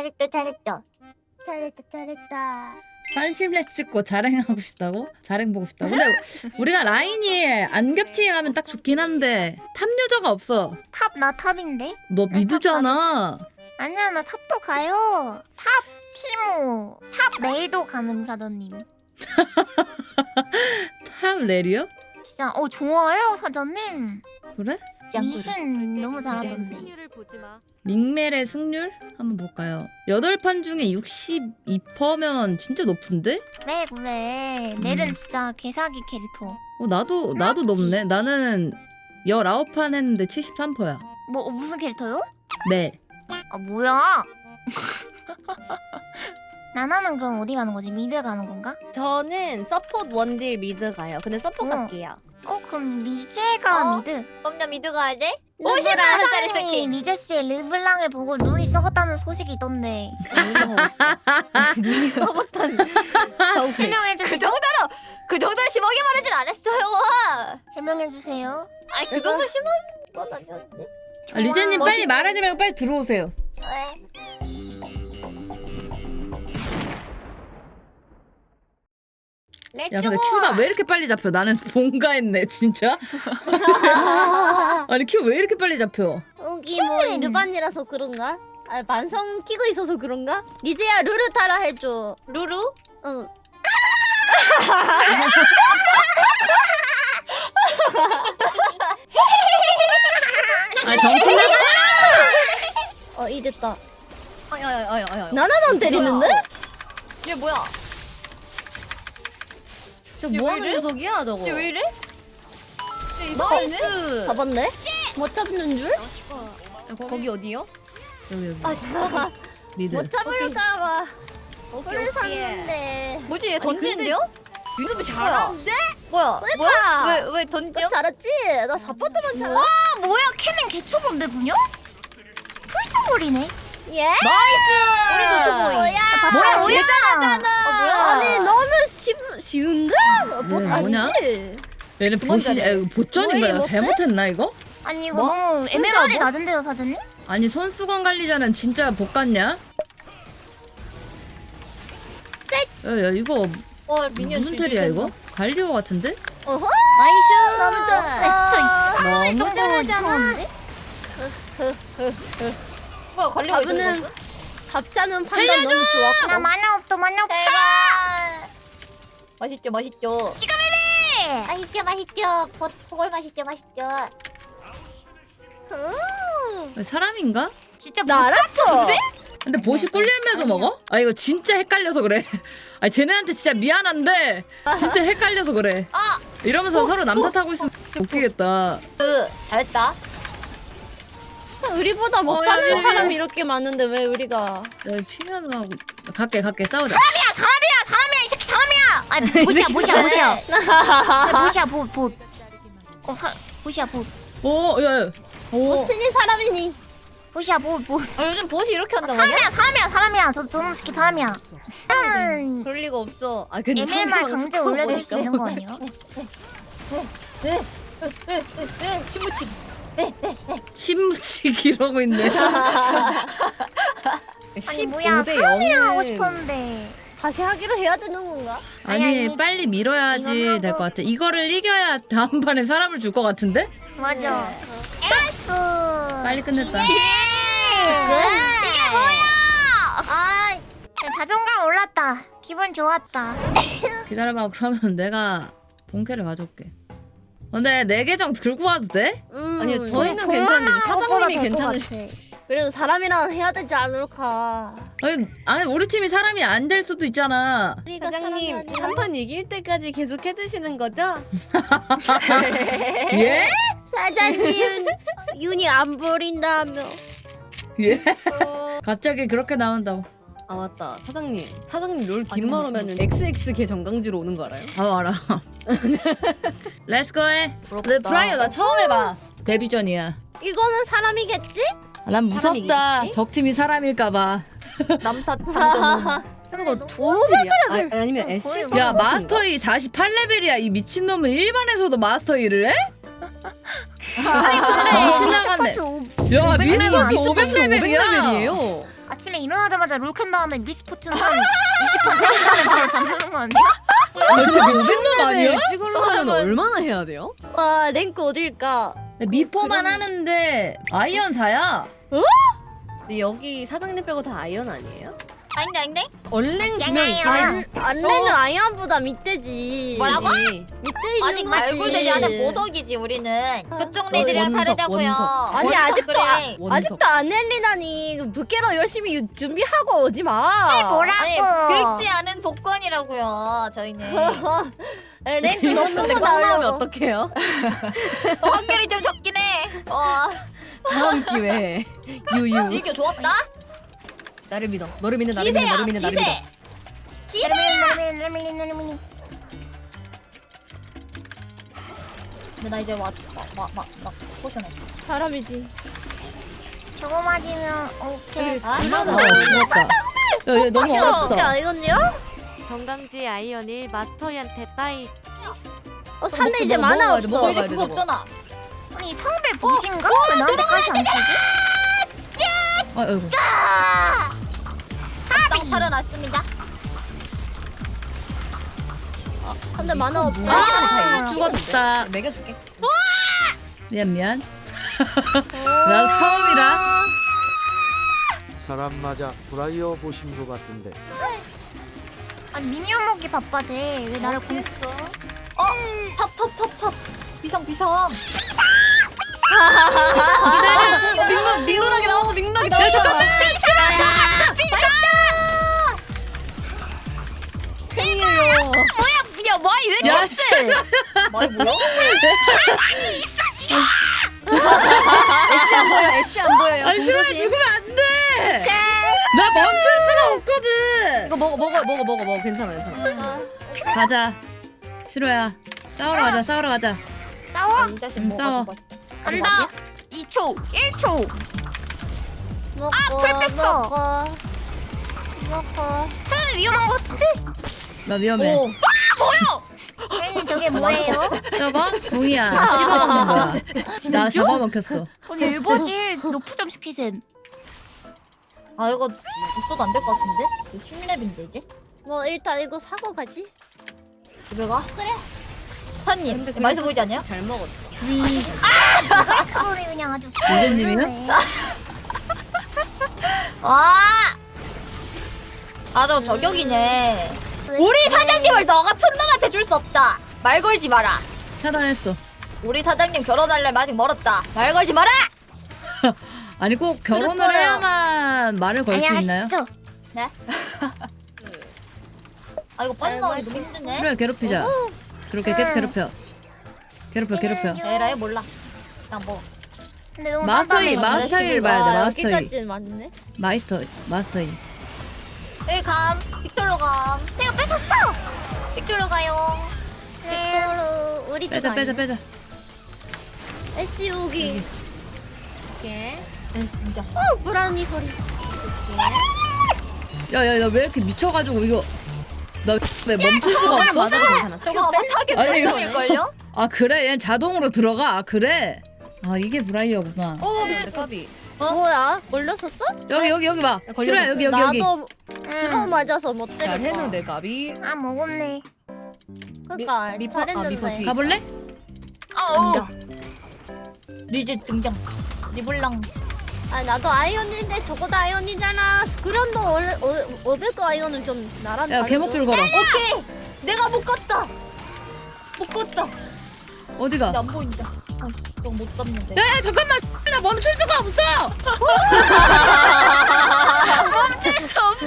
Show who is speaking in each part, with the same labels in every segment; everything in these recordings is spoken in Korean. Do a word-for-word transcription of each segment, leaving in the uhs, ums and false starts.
Speaker 1: 잘했다 잘했다 잘했다 잘했다.
Speaker 2: 산심레 찍고 자랭하고 싶다고? 자랭 보고 싶다고? 근데 우리가 라인이 안 겹치게 가면 딱 좋긴 한데 탑 유저가 없어.
Speaker 1: 탑 나 탑인데?
Speaker 2: 너 미드잖아.
Speaker 1: 아니야 나 탑도 가요. 탑 티모 탑 레이도 가는 사장님.
Speaker 2: 탑 레리요?
Speaker 1: 진짜 어 좋아요 사장님.
Speaker 2: 그래?
Speaker 1: 미신 너무 잘하던데.
Speaker 3: 승률을 보지 마.
Speaker 2: 밍멜의 승률? 한번 볼까요? 여덟 판 중에 육십이 퍼센트면 진짜 높은데?
Speaker 1: 그래 그래. 멜은 진짜 개사기 캐릭터.
Speaker 2: 어 나도 나도 높네. 나는 열아홉 판 했는데 칠십삼 퍼센트야.
Speaker 1: 뭐 어, 무슨 캐릭터요?
Speaker 2: 멜.
Speaker 1: 아 뭐야? 나나는 그럼 어디 가는 거지? 미드 가는 건가?
Speaker 4: 저는 서포트 원딜 미드 가요. 근데 서포트
Speaker 1: 어.
Speaker 4: 갈게요.
Speaker 1: 어 그럼 리제가
Speaker 3: 어?
Speaker 1: 미드.
Speaker 3: 그럼 나 미드 가야 돼?
Speaker 1: 오십
Speaker 3: 오십만 원짜리
Speaker 1: 사장님이
Speaker 3: 스킨.
Speaker 1: 리제 씨의 르블랑을 보고 눈이 썩었다는 소식이 있던데
Speaker 4: 눈이 써봤다는.
Speaker 1: 해명해
Speaker 3: 그
Speaker 1: 주시죠.
Speaker 3: 정도로 그 정도로 심하게 말하진 않았어요.
Speaker 1: 해명해 주세요.
Speaker 3: 아니 그 정도 심하게 건 아니었는데.
Speaker 2: 아, 리제님
Speaker 1: 좋아.
Speaker 2: 빨리 말하지 말고 빨리 들어오세요.
Speaker 1: 왜?
Speaker 2: 야 근데 큐가 왜 이렇게 빨리 잡혀? 나는 뭔가 했네 진짜. 아니 큐 왜 이렇게 빨리 잡혀?
Speaker 5: 여기 뭐 일반이라서 그런가? 아 반성 키고 있어서 그런가? 리제야 루루 타라 해줘.
Speaker 3: 루루?
Speaker 5: 응.
Speaker 2: 아 정신 나가.
Speaker 5: 어 이랬다.
Speaker 4: 아야야야야야.
Speaker 5: 나나만 때리는데?
Speaker 3: 얘 뭐야?
Speaker 4: 저
Speaker 3: 얘
Speaker 4: 뭐하는
Speaker 3: 왜 이래?
Speaker 4: 녀석이야 저거?
Speaker 3: 얘 왜 이래?
Speaker 4: 나이스.
Speaker 5: 잡았네? 못 잡는 줄?
Speaker 4: 거기 어디요?
Speaker 2: 여기 여기
Speaker 3: 아 진짜.
Speaker 2: 미드.
Speaker 5: 못 잡을까봐.
Speaker 4: 오케이
Speaker 5: 꿀
Speaker 4: 오케이.
Speaker 5: 샀는데.
Speaker 3: 뭐지 얘 던지는데요?
Speaker 4: 유튜브 잘하는데?
Speaker 3: 뭐야?
Speaker 5: 뭐야?
Speaker 3: 왜 왜 던져?
Speaker 5: 잘했지? 나 사포트만 잘라.
Speaker 1: 아 뭐야 캐는 개초본데 분요? 풀스볼이네.
Speaker 5: 예?
Speaker 3: 우리도 초보이.
Speaker 5: 뭐야?
Speaker 1: 뭐야 뭐야?
Speaker 3: 어 뭐야?
Speaker 5: 아니 너무 쉬, 쉬운데? 뭐
Speaker 2: 네, 뭐냐?
Speaker 5: 아니지?
Speaker 2: 얘는 보시 아, 이거 보전인가?
Speaker 5: 뭐해,
Speaker 2: 내가
Speaker 5: 못해?
Speaker 2: 잘못했나 이거?
Speaker 1: 아니 이거
Speaker 2: 뭐?
Speaker 1: 너무 에메랄이
Speaker 5: 뭐?
Speaker 1: 낮은데요 사장님?
Speaker 2: 아니 손수건 관리자는 진짜 복 같냐? 야야 이거
Speaker 3: 어 미니언
Speaker 2: 무슨 텔이야 이거? 갈리오 같은데?
Speaker 5: 어허?
Speaker 4: 나이스.
Speaker 5: 너무 좋다.
Speaker 1: 아 진짜 이 수상하리
Speaker 2: 너무
Speaker 1: 정도로 이상한데?
Speaker 3: 뭐야 관리가
Speaker 5: 잡으는
Speaker 3: 있어?
Speaker 5: 잡자는 판단 너무 좋았고.
Speaker 1: 나 만화 없어 만화 없다.
Speaker 3: 맛있죠 맛있죠.
Speaker 1: 지갑이네.
Speaker 5: 맛있죠 맛있죠. 보, 보골 맛있죠 맛있죠. 음.
Speaker 2: 사람인가?
Speaker 1: 진짜
Speaker 5: 나 알았어.
Speaker 2: 근데 보시 꿀열매도 먹어? 아 이거 진짜 헷갈려서 그래. 아 쟤네한테 진짜 미안한데 진짜 헷갈려서 그래.
Speaker 3: 아!
Speaker 2: 이러면서 서로 남탓 하고 있으면 웃기겠다.
Speaker 3: 그 잘했다.
Speaker 5: 우리보다
Speaker 2: 어,
Speaker 5: 못하는
Speaker 2: 야, 야, 야.
Speaker 5: 사람이 이렇게 많은데 왜 우리가?
Speaker 2: 야 피가 나고 갈게 갈게 싸우자.
Speaker 1: 사람이야 사람이야 사람이야 이 새끼 사람이야. 아니 보시야 보시야 보시야. 아니, 보시야 보 보. 어사 보시야 보.
Speaker 2: 오 야. 오.
Speaker 5: 무슨이 사람이니?
Speaker 1: 보시야 보 보.
Speaker 3: 아 요즘 보시 이렇게 한단 말이야?
Speaker 1: 사람이야 사람이야 사람이야. 저 저놈 새끼 사람이야. 나는
Speaker 4: 그럴 리가 없어. 아 근데
Speaker 1: 에밀말
Speaker 4: 상대방
Speaker 1: 강제
Speaker 4: 스코어
Speaker 1: 올려줄 수
Speaker 4: 보니까.
Speaker 1: 있는 거 아니야?
Speaker 3: 신무치.
Speaker 2: 침묵이 이러고 있네.
Speaker 1: 아니 뭐야
Speaker 4: 십오 대
Speaker 1: 사람이랑 하고
Speaker 4: 영은
Speaker 1: 싶었는데.
Speaker 5: 다시 하기로 해야 되는 건가?
Speaker 2: 아니
Speaker 1: 아니, 아니.
Speaker 2: 빨리 밀어야지
Speaker 1: 이건
Speaker 2: 될
Speaker 1: 하고.
Speaker 2: 것 같아. 이거를 이겨야 다음 판에 사람을 줄 것 같은데?
Speaker 1: 맞아. 나이스.
Speaker 2: 빨리 끝냈다.
Speaker 1: 이게 뭐야? 아, 야, 자존감 올랐다. 기분 좋았다.
Speaker 2: 기다려봐. 그러면 내가 본캐를 가져올게. 근데 내 계정 들고 와도 돼?
Speaker 5: 음,
Speaker 4: 아니요 저희는
Speaker 1: 뭐,
Speaker 4: 괜찮은데
Speaker 1: 볼만한 것보다
Speaker 4: 사장님이
Speaker 1: 될것
Speaker 4: 괜찮으시.
Speaker 1: 같아.
Speaker 5: 그래도 사람이랑 해야 되지 않을까?
Speaker 2: 아니, 아니 우리 팀이 사람이 안 될 수도 있잖아.
Speaker 5: 우리가
Speaker 4: 사장님
Speaker 5: 사람이 아니라.
Speaker 4: 한 판 이길 때까지 계속 해주시는 거죠?
Speaker 2: 예?
Speaker 5: 사장님 윤이 안 버린다며.
Speaker 2: 예? 갑자기 그렇게 나온다고.
Speaker 4: 아 맞다 사장님. 사장님 롤 뒷말 오면은 엑스엑스 개 정강지로 오는 거 알아요?
Speaker 2: 아 알아. 렛츠고 해. 근데 프라이어 나 처음 해봐. 데뷔전이야.
Speaker 5: 이거는 사람이겠지?
Speaker 2: 아, 난 무섭다.
Speaker 4: 사람이겠지?
Speaker 2: 적팀이 사람일까봐.
Speaker 3: 남탓 장전.
Speaker 4: 그리고
Speaker 1: 너무
Speaker 4: 두어들이야? 아, 아니면 애쉬
Speaker 1: 보여줘.
Speaker 2: 야 마스터 이 사십팔 레벨이야. 이 미친놈은 일반에서도 마스터 이를 해? 정신 나갔네.
Speaker 1: 스쿼트 오-
Speaker 2: 야
Speaker 1: 오백 레벨
Speaker 2: 미스터
Speaker 1: 아니야?
Speaker 2: 오백 레벨이야.
Speaker 4: 레벨이에요.
Speaker 1: 아 아침에 일어나자마자 롤 켠 다음에 미스포춘 한 이십 판 생각하면 바로 잠드는 거 아니야?
Speaker 2: 너 진짜 미친놈 아니야?
Speaker 4: 찍으려면 얼마나 해야 돼요?
Speaker 5: 와 랭크 어딜까?
Speaker 2: 미포만 하는데 아이언 사야.
Speaker 4: 근데 여기 사장님 빼고 다 아이언 아니에요?
Speaker 3: 아닌데 아닌데?
Speaker 4: 얼랭 두 명 있긴
Speaker 1: 짱아요.
Speaker 4: 해.
Speaker 5: 안내는 아이언보다 밑대지.
Speaker 3: 뭐라고?
Speaker 5: 밑에 있는
Speaker 3: 아직
Speaker 5: 거지.
Speaker 3: 말굴들이 아직 보석이지 우리는. 그쪽
Speaker 4: 어,
Speaker 3: 애들이랑
Speaker 4: 원석,
Speaker 3: 다르다고요.
Speaker 4: 원석.
Speaker 5: 아니
Speaker 3: 원석
Speaker 5: 아직도
Speaker 3: 그래.
Speaker 5: 아,
Speaker 4: 원석.
Speaker 5: 아직도 안 nel리다니 부캐로 열심히 유- 준비하고 오지 마.
Speaker 1: 뭐라고?
Speaker 3: 아니 긁지 않은 복권이라고요. 저희는
Speaker 5: 랭크 너무
Speaker 4: 근데 꽝 나오면
Speaker 5: 나오면
Speaker 4: 어떡해요?
Speaker 3: 어, 확률이 좀 적긴 해. 어,
Speaker 4: 다음 기회에 유유.
Speaker 3: 즐겨 좋았다.
Speaker 4: 나를 믿어. 너를 믿는 나를 믿는
Speaker 3: 기세야
Speaker 4: 너를 믿는 나를 믿어.
Speaker 3: 기세.
Speaker 1: 레밀레밀레밀레밀레밀.
Speaker 3: 근데 나 이제 와막막막 포션해.
Speaker 5: 사람이지.
Speaker 1: 저거 맞으면 오케이.
Speaker 3: 아,
Speaker 4: 얼마나
Speaker 2: 어 죽었다. 야, 얘 너무
Speaker 5: 어떻게
Speaker 2: 어렵다.
Speaker 5: 아이언이요?
Speaker 6: 정강지 아이언 일 마스터한테 따이.
Speaker 5: 어 산에
Speaker 4: 먹고
Speaker 5: 이제
Speaker 4: 먹어,
Speaker 5: 만화
Speaker 4: 먹어야 돼,
Speaker 5: 없어.
Speaker 4: 먹어야
Speaker 3: 이제
Speaker 4: 돼,
Speaker 3: 그거
Speaker 4: 저거.
Speaker 3: 없잖아.
Speaker 1: 아니 상대 보신가? 왜 나한테까지 안 쓰지?
Speaker 2: 아, 아이고.
Speaker 3: 땅 차려놨습니다.
Speaker 5: 근데 만화 없어.
Speaker 2: 아, 죽었다.
Speaker 4: 먹여줄게.
Speaker 2: 미안 미안. 나도 처음이라.
Speaker 7: 사람 맞아 브라이어 보신 것 같은데
Speaker 1: 아니 미니언 먹기 바빠지. 왜 나를 공?
Speaker 3: 했어? 어, 탑탑탑탑. 비상 비상.
Speaker 4: 민망 민망하게 나오고 민망하게 나오고. 잠깐만. 땡이에요.
Speaker 1: 야 뭐야 왜 이렇게
Speaker 2: 야,
Speaker 1: 세?
Speaker 3: 뭐야 뭐야?
Speaker 4: 애쉬 안 보여. 애쉬 안 보여요.
Speaker 2: 아니 싫어해 죽으면 안 돼. 나 멈출 수가 없거든.
Speaker 4: 이거 먹어 먹어 먹어 먹어 먹어. 괜찮아 괜찮아.
Speaker 2: 가자. 싫어야. 싸우러 가자. 싸우러 가자.
Speaker 1: 싸워?
Speaker 3: 이 자식
Speaker 2: 응,
Speaker 3: 뭐가
Speaker 2: 싸워.
Speaker 3: 죽었어?
Speaker 1: 간다. 이 초, 일 초.
Speaker 5: 먹고
Speaker 1: 풀 뺐어.
Speaker 5: 먹고 먹고.
Speaker 1: 쟤 위험한 거 같은데?
Speaker 2: 나 위험해.
Speaker 3: 오,
Speaker 1: 쟤는 저게 뭐예요?
Speaker 2: 저거 궁이야. 씹어먹는 거야. 나 잡아먹혔어.
Speaker 1: 아니 에버지 노프점 시키셈.
Speaker 3: 아 이거 있어도 안 될 것 같은데? 십 렙인데 이제?
Speaker 5: 뭐 일단 이거 사고 가지.
Speaker 3: 집에 가? 그래. 사님,
Speaker 4: 근데
Speaker 3: 맛있어 보이지 않냐?
Speaker 4: 잘 먹었어.
Speaker 1: 그거를 그냥 아주.
Speaker 2: 유재님이요?
Speaker 3: 와! 아, 저 저격이네. 우리 사장님을 너 같은 놈한테 줄 수 없다. 말 걸지 마라.
Speaker 2: 차단했어.
Speaker 3: 우리 사장님 결혼할래 아직 멀었다. 말 걸지 마라.
Speaker 2: 아니 꼭 결혼을
Speaker 3: 싫었어요.
Speaker 2: 해야만 말을 걸 수 있나요?
Speaker 1: 알았어.
Speaker 3: 아 이거 빨리 나오기 너무 힘드네.
Speaker 2: 싫어요. 괴롭히자. 그렇게 계속 괴롭혀. 괴롭혀 괴롭혀.
Speaker 3: 에라이 몰라. 그냥 뭐.
Speaker 1: 근데 너무
Speaker 2: 마스터 이
Speaker 1: 깜깜해.
Speaker 2: 마스터 이를 봐야 돼.
Speaker 5: 아,
Speaker 2: 마스터 이.
Speaker 5: 여기까지 맞네.
Speaker 2: 마스터 마스터 이.
Speaker 3: 여기 감. 빅토르 감.
Speaker 1: 내가 뺏었어.
Speaker 3: 빅토르 가요.
Speaker 1: 네.
Speaker 5: 빅토르 우리
Speaker 2: 빼자 빼자 빼자.
Speaker 5: 애쉬 우기.
Speaker 3: 오케이. 진짜.
Speaker 5: 어 브라우니 소리.
Speaker 2: 야야 나 왜 이렇게 미쳐가지고 이거 나 왜 멈출 수가 없어?
Speaker 4: 맞아도 괜찮아.
Speaker 3: 저거 타겟
Speaker 2: 아니, 이거-
Speaker 3: 걸려?
Speaker 2: 아 그래 얘 자동으로 들어가. 아 그래. 아 이게 브라이어구나.
Speaker 3: 오,
Speaker 4: 근데 까비.
Speaker 5: 뭐야? 걸렸었어?
Speaker 2: 여기 여기 여기 봐.
Speaker 4: 걸려졌어.
Speaker 2: 싫어요 여기 여기 여기.
Speaker 5: 나도 스로 맞아서 못
Speaker 4: 잘
Speaker 5: 때렸다.
Speaker 4: 해놓은데 까비.
Speaker 1: 아 먹었네.
Speaker 5: 그러니까
Speaker 4: 미- 미포- 아, 미포
Speaker 5: 잘했는데.
Speaker 4: 뒤.
Speaker 2: 가볼래?
Speaker 3: 등장. 리즈 등장. 리블랑.
Speaker 5: 아 나도 아이언인데 저거도 아이언이잖아. 스크련도 원래 오백 아이언은 좀 나랑
Speaker 2: 야 개목줄 걸어.
Speaker 3: 오케이. 내가 묶었다. 묶었다.
Speaker 2: 어디가?
Speaker 3: 근데 안 보인다. 아씨, 저거 못 잡는데.
Speaker 2: 야야 잠깐만. 나 멈출 수가 없어.
Speaker 1: 멈출 수 없어.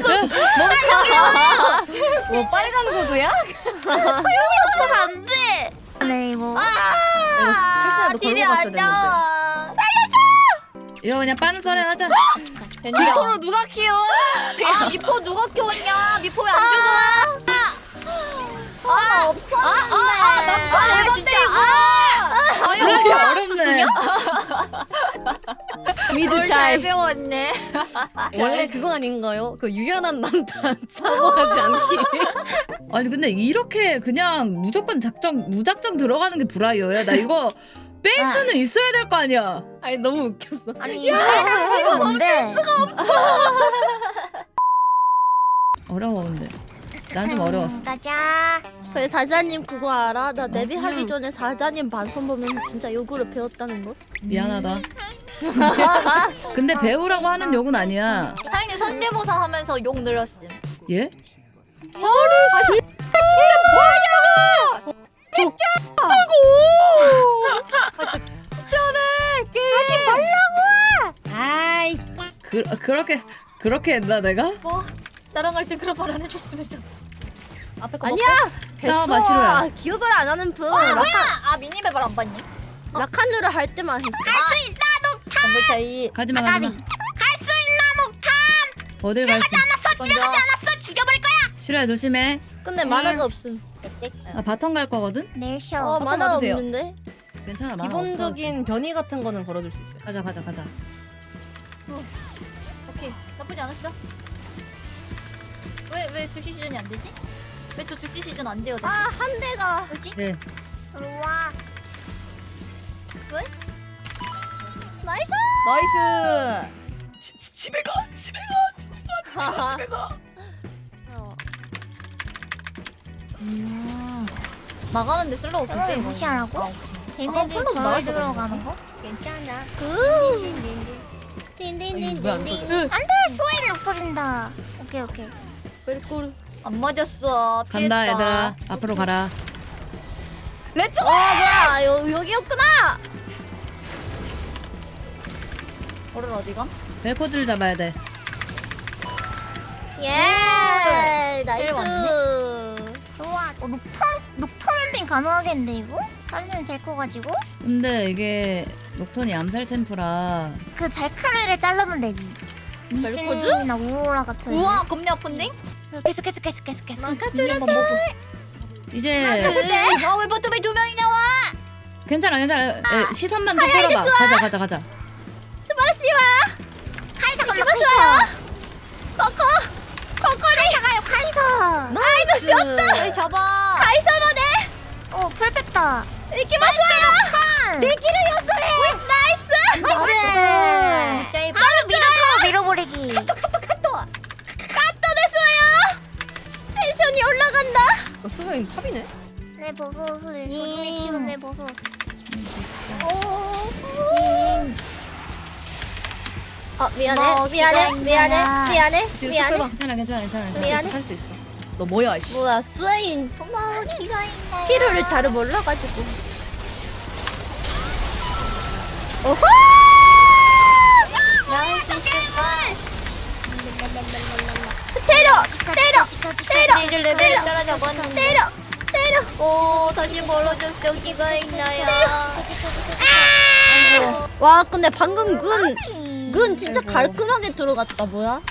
Speaker 4: 뭐 빨간 구두야?
Speaker 1: 없어서 안 돼. 네 이거.
Speaker 4: 탈출도
Speaker 3: 딜이
Speaker 4: 걸고 갔어야
Speaker 3: 안
Speaker 4: 됐는데.
Speaker 3: 나와.
Speaker 2: 이거 그냥 빠른 썰에 하자.
Speaker 3: 빅토르
Speaker 4: 누가 키워?
Speaker 3: 아 미포 누가 키웠냐? 미포 왜 안 죽어?
Speaker 5: 아 없었는데.
Speaker 3: 아 내가 때리고.
Speaker 2: 이렇게 어렵네.
Speaker 3: 미드 잘 배웠네.
Speaker 4: 원래 그거 아닌가요? 그 유연한 남자 사고하지 않기.
Speaker 2: 아니 근데 이렇게 그냥 무조건 작정 무작정 들어가는 게 브라이어야. 나 이거 뺄
Speaker 1: 아.
Speaker 2: 수는 있어야 될 거 아니야.
Speaker 4: 아니 너무 웃겼어.
Speaker 1: 아니 빨간 구도 뭔데?
Speaker 2: 어려워 근데. 난 좀 어려웠어.
Speaker 1: 가자.
Speaker 5: 그 사자님 그거 알아? 나 데뷔 하기
Speaker 2: 그냥-
Speaker 5: 전에 사자님 반성 보면서 진짜 요구를 배웠다는 거.
Speaker 2: 미안하다. 근데 배우라고 하는 욕은 아니야.
Speaker 3: 사장님 성대모사 하면서 욕 늘었음.
Speaker 2: 예?
Speaker 5: 아이.
Speaker 2: 그 그렇게 그렇게 했나 내가?
Speaker 3: 뭐 나랑 할 때 그런 말 안 해줬으면서.
Speaker 4: 앞에 거
Speaker 5: 아니야. 됐어.
Speaker 2: 싸워봐, 싫어요.
Speaker 5: 아, 기억을 안 하는 분.
Speaker 3: 아
Speaker 5: 라칸
Speaker 3: 뭐야? 아 미니맵을 안 봤니?
Speaker 5: 라칸누를 할 때만 했어.
Speaker 3: 정글 차이.
Speaker 2: 가지마
Speaker 1: 아가리.
Speaker 2: 가지마.
Speaker 1: 갈 수 있나 목탐.
Speaker 2: 어딜 갈 수?
Speaker 1: 않았어. 집에 가지 않았어. 죽여버릴 거야.
Speaker 2: 싫어요 조심해.
Speaker 5: 근데 만화가 없음.
Speaker 2: 나 바텀 갈 거거든.
Speaker 1: 내셔.
Speaker 5: 어
Speaker 4: 바텀
Speaker 5: 만화가
Speaker 4: 가도 돼요.
Speaker 5: 없는데.
Speaker 2: 괜찮아. 만화
Speaker 4: 기본적인 변이 같은 거는 걸어줄 수 있어요.
Speaker 2: 없어. 가자 가자 가자.
Speaker 3: 오케이 나쁘지 않았어. 왜왜 즉시 시즌이 안 되지? 왜 또 즉시 시즌 안 돼요?
Speaker 5: 아 한 대가.
Speaker 3: 뭐지?
Speaker 2: 네.
Speaker 1: 들어와.
Speaker 5: 나이스.
Speaker 4: 나이스.
Speaker 2: 집에 가 집에 가 집에
Speaker 5: 가,
Speaker 2: 집에 가.
Speaker 1: 어.
Speaker 3: 음. 나가는데 슬로우
Speaker 1: 이걸
Speaker 3: 괜찮아.
Speaker 1: 무시하라고?
Speaker 3: 아,
Speaker 1: 데미지
Speaker 3: 컬러도
Speaker 1: 덜
Speaker 3: 나와서
Speaker 1: 들어가는 거?
Speaker 5: 괜찮아.
Speaker 1: 굿.
Speaker 4: 아니, 왜안
Speaker 5: 딘딘딘딘딘.
Speaker 1: 안돼. 수혜일 없어진다. 오케이 오케이.
Speaker 5: 벨꼬르.
Speaker 3: 안 맞았어.
Speaker 2: 간다
Speaker 3: 피했다.
Speaker 2: 얘들아. 앞으로 가라.
Speaker 5: 렛츠. 어 뭐야 여 여기였구나.
Speaker 3: 오늘 어디가?
Speaker 2: 벨코즈를 잡아야 돼.
Speaker 5: 예.
Speaker 3: 제일
Speaker 5: 나이스.
Speaker 1: 좋아. 어, 녹턴 녹턴 엔딩 가능하겠는데 이거? 사진 데리고 가지고
Speaker 2: 근데 이게 녹턴이 암살 챔프라
Speaker 1: 그 잘크레를 자르면 되지.
Speaker 5: 벨코즈?
Speaker 1: 미신이나 오로라 같은.
Speaker 3: 우와 겁내 아픈데?
Speaker 1: 계속 계속 계속 계속 계속.
Speaker 2: 이제
Speaker 3: 아왜 버튼에 두 명이 나와?
Speaker 2: 괜찮아 괜찮아. 에, 시선만 좀 끌어봐. 가자 가자 가자.
Speaker 5: 스바라시와.
Speaker 1: 카이사 간다 카이사.
Speaker 5: 코코.
Speaker 1: 카이사 가요 카이사.
Speaker 5: 나이스 쉬었다.
Speaker 3: 빨리 잡아.
Speaker 5: 카이사만에.
Speaker 1: 어 풀뺐다.
Speaker 5: 이렇게 맞아요.
Speaker 1: 내
Speaker 5: 길을 연설해. 나이스.
Speaker 1: 나이스.
Speaker 3: 제일
Speaker 1: 바로 밀어터 밀어버리기.
Speaker 5: 카또 됐어요. 텐션이 올라간다.
Speaker 4: 어, 스웨인 탑이네.
Speaker 1: 내 버섯을 조심히 키운 내 버섯.
Speaker 5: 어 미안해
Speaker 1: 뭐
Speaker 5: 미안해
Speaker 1: 기다리냐.
Speaker 5: 미안해 미안해
Speaker 4: 뒤로
Speaker 5: 미안해
Speaker 4: 쭉
Speaker 2: 괜찮아 괜찮아 괜찮아. 괜찮아.
Speaker 5: 미안해.
Speaker 4: 할 수 있어. 너 뭐야 이씨.
Speaker 5: 뭐야 스웨인
Speaker 1: 고마워 기가 있네.
Speaker 5: 스킬을 잘 몰라가지고 오호
Speaker 1: 나올 수 있을까?
Speaker 5: 때려
Speaker 1: 지카,
Speaker 5: 때려
Speaker 1: 지카, 지카,
Speaker 5: 때려
Speaker 1: 지카.
Speaker 3: 이제 레벨이 따라잡았는데.
Speaker 5: 때려 때려
Speaker 3: 오 다시 멀어졌어. 기가 있나요?
Speaker 5: 와 근데 방금 군
Speaker 1: 군
Speaker 5: 군 진짜
Speaker 4: 아이고.
Speaker 5: 깔끔하게 들어갔다 뭐야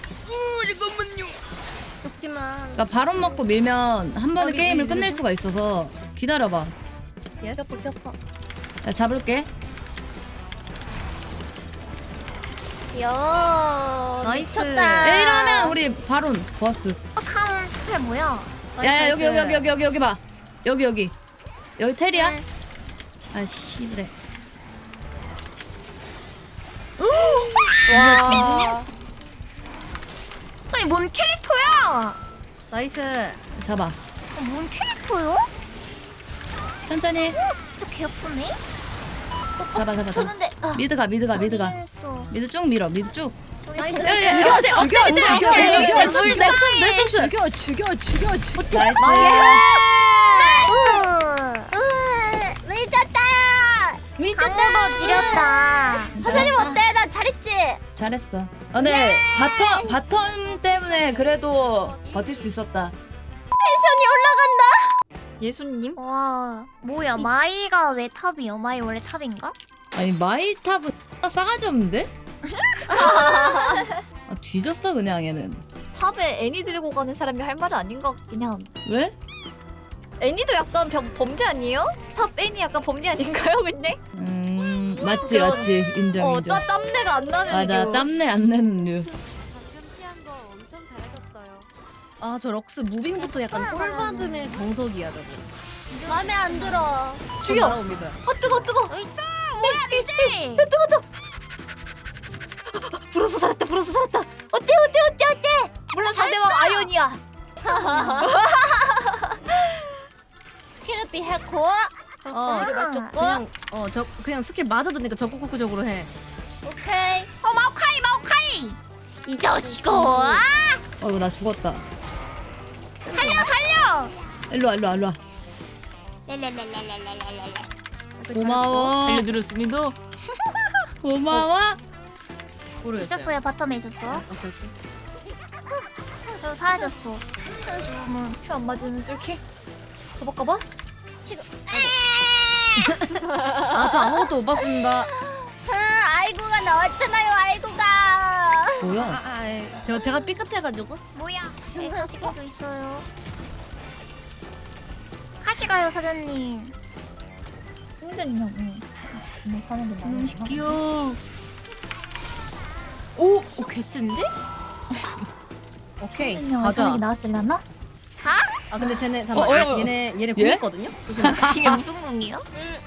Speaker 5: 죽지마
Speaker 2: 그러니까 바론 먹고 밀면 한 번에
Speaker 5: 어,
Speaker 2: 게임을
Speaker 5: 미드,
Speaker 2: 끝낼
Speaker 5: 미드.
Speaker 2: 수가 있어서 기다려봐.
Speaker 4: 예스.
Speaker 2: 야, 잡을게.
Speaker 5: 야
Speaker 4: 나이스.
Speaker 5: 미쳤다
Speaker 2: 이러면 우리 바론 버스.
Speaker 1: 삼 스펠 뭐야?
Speaker 2: 야야 여기 여기 여기 여기 여기 여기 봐. 여기 여기 여기 테리야?
Speaker 5: 네.
Speaker 2: 아 씨그래.
Speaker 5: 와
Speaker 1: 아니 뭔 캐릭터야?
Speaker 4: 나이스.
Speaker 2: 잡아.
Speaker 1: 어, 뭔 캐릭터요?
Speaker 2: 천천히.
Speaker 1: 진짜 개 아프네.
Speaker 2: 잡아 잡아 잡아.
Speaker 3: 쳤는데 아,
Speaker 2: 미드가 미드가 미드가.
Speaker 1: 했어.
Speaker 2: 미드 쭉 밀어. 미드 쭉.
Speaker 5: 나이스
Speaker 2: 야야 어제
Speaker 4: 죽여,
Speaker 2: 어제
Speaker 4: 죽여, 죽여,
Speaker 2: 내
Speaker 4: 죽여.
Speaker 2: 넥서스.
Speaker 4: 죽여 죽여 죽여 죽여.
Speaker 2: 나이스.
Speaker 5: 미쳤다
Speaker 1: 강호도 지렸다.
Speaker 5: 사장님 어때 나 잘했지
Speaker 2: 잘했어. 어, 네 바텀 바텀 때문에 그래도 버틸 수 있었다.
Speaker 5: 텐션이 올라간다
Speaker 3: 예수님?
Speaker 1: 와 뭐야 마이가 왜 탑이야? 마이 원래 탑인가?
Speaker 2: 아니 마이탑은 싸가지 없는데? 아, 뒤졌어 그냥 얘는.
Speaker 3: 탑에 애니 들고 가는 사람이 할 말은 아닌 것 같긴 함.
Speaker 2: 왜?
Speaker 3: 애니도 약간 범, 범죄 아니에요? 탑 애니 약간 범죄 아닌가요 근데?
Speaker 2: 음 맞지
Speaker 3: 그런-
Speaker 2: 맞지 인정
Speaker 3: 어
Speaker 2: 인정.
Speaker 3: 땀, 땀내가 안 나는
Speaker 2: 맞아
Speaker 3: 류.
Speaker 2: 땀내 안 내는 류.
Speaker 6: 방금 피한 거 엄청 잘하셨어요.
Speaker 4: 아 저 럭스 무빙부터 약간 꿀받음의 정석이야 저거.
Speaker 5: 마음에 안 들어
Speaker 3: 죽여!
Speaker 4: 날아옵니다.
Speaker 3: 어 뜨거 뜨거!
Speaker 1: 있어 뭐야 미제.
Speaker 3: 불어서 살았다 불어서 살았다! 어때 어때 어때 어때! 물론 상대방 아이언이야!
Speaker 5: 스킬업이 했고.
Speaker 4: 어
Speaker 5: 그렇게 맞췄고.
Speaker 4: 그냥 어저 그냥 스킬 맞아도 되니까 적극적으로 해.
Speaker 5: 오케이.
Speaker 1: 어 마오카이 마오카이. 이 자식아. 아,
Speaker 2: 어 이거 나 죽었다.
Speaker 1: 살려 살려.
Speaker 2: 일로 와 일로 와 일로 와.
Speaker 1: 랄랄랄랄랄랄랄랄.
Speaker 2: 고마워.
Speaker 8: 알려드렸습니다.
Speaker 2: 고마워.
Speaker 4: 모르겠어요.
Speaker 1: 있었어요 바텀에 있었어.
Speaker 4: 오케이, 오케이.
Speaker 1: 그리고 사라졌어. 지금은
Speaker 3: 큐 안 맞으면 쏠게. 가볼까봐?
Speaker 4: 아저 아무것도 못 봤습니다.
Speaker 5: 아, 아이고가 나왔잖아요. 아이고가.
Speaker 2: 뭐야?
Speaker 4: 아, 아 예. 제가 제가 삐끗해가지고.
Speaker 1: 뭐야?
Speaker 5: 친구였어?
Speaker 1: 카시가서 있어요. 카시가요 사장님.
Speaker 3: 승전이냐고. 응. 사는 게
Speaker 8: 너무 시키요. 오, 오 개센데?
Speaker 4: 오케이
Speaker 3: 승전이냐고
Speaker 4: 가자.
Speaker 3: 사는 게 나왔을라나?
Speaker 4: 아 근데 쟤네 잠깐
Speaker 2: 어, 어,
Speaker 4: 만
Speaker 2: 어.
Speaker 4: 얘네 얘네
Speaker 2: 예?
Speaker 4: 궁했거든요.
Speaker 8: 이게 무슨 궁이요?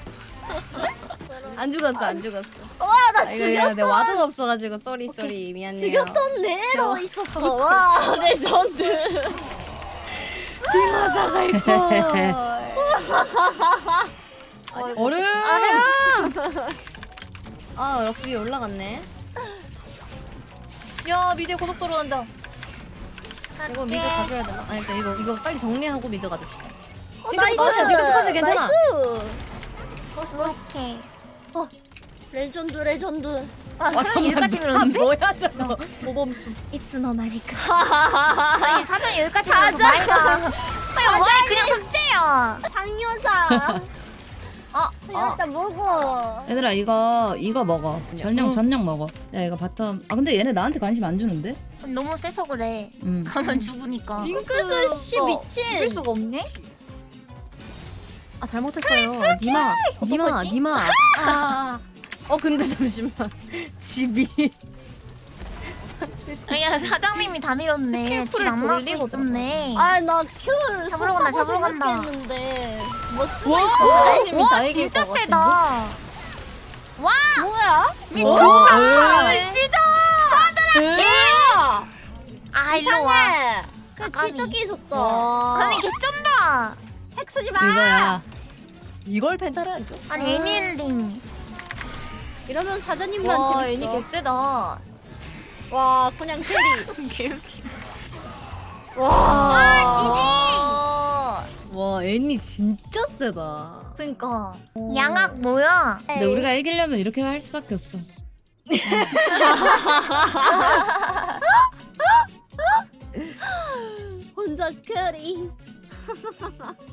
Speaker 4: 안 죽었어 안 죽었어.
Speaker 5: 와나
Speaker 4: 아, 이거 이거 내 와드가 없어가지고 쏘리 쏘리 미안해요.
Speaker 5: 죽였던 내로 있었어. 와 레전드.
Speaker 4: 얼음.
Speaker 1: 얼음.
Speaker 4: 아 럭스 올라갔네.
Speaker 3: 야 미디어 고속도로 간다.
Speaker 4: 이거 미드 가져야 되나? 아니 그러니까 이거 이거 빨리 정리하고 미드 가줍시다.
Speaker 5: 어,
Speaker 4: 지금 스컷이야 지금 스컷이야 괜찮아.
Speaker 5: 나이스.
Speaker 1: 오케이.
Speaker 5: 레전드 레전드.
Speaker 1: 아 사장님 여기까지 밀었는데?
Speaker 4: 뭐야 저거.
Speaker 3: 모범수.
Speaker 5: It's no 말이까.
Speaker 1: 아니 사장님 여기까지 밀어서 말가. 아니 와 그냥 삭제야.
Speaker 5: 상여자.
Speaker 1: 아,
Speaker 5: 상여자 뭐고?
Speaker 2: 얘들아 이거 이거 먹어. 전령 전령 먹어. 야 이거 바텀. 아 근데 얘네 나한테 관심 안 주는데?
Speaker 1: 너무 세서 그래.
Speaker 2: 음.
Speaker 1: 가면 죽으니까.
Speaker 5: 징크스 씨 미친.
Speaker 3: 죽일 수가 없네?
Speaker 4: 아 잘못했어요. 니마 니마 니마. 아. 어 근데 잠시만. 집이
Speaker 1: 아니야 사장님이 다 밀었네.
Speaker 3: 스킬 풀을
Speaker 1: 질안
Speaker 3: 돌리고
Speaker 1: 맞고 있었네.
Speaker 5: 아나 큐를
Speaker 1: 잡으러 간다, 잡으러 간다.
Speaker 5: 생각했는데 뭐 쓰고
Speaker 4: 와,
Speaker 5: 있어.
Speaker 4: 사장님이
Speaker 1: 와
Speaker 4: 다 이길
Speaker 1: 진짜
Speaker 4: 것
Speaker 1: 세다. 와
Speaker 5: 뭐야?
Speaker 1: 미쳤다.
Speaker 5: 진짜.
Speaker 1: 아 일로 와.
Speaker 5: 이상해. 그
Speaker 1: 아까비.
Speaker 5: 치트키 있었다.
Speaker 1: 아니 개쩐다.
Speaker 5: 핵 쓰지 마.
Speaker 2: 이거야.
Speaker 4: 이걸 펜타를 안 줘?
Speaker 1: 아니 애니엔딩.
Speaker 5: 이러면 사장님만
Speaker 3: 와
Speaker 5: 재밌어.
Speaker 3: 애니 개쎄다.
Speaker 5: 와 그냥 캐리.
Speaker 8: 개웃기.
Speaker 5: 와.
Speaker 1: 아
Speaker 4: 와 애니 진짜 세다.
Speaker 3: 그니까.
Speaker 1: 지지. 양악 뭐야?
Speaker 2: 근데 우리가 이기려면 이렇게 할 수밖에 없어.
Speaker 5: 혼자 캐리.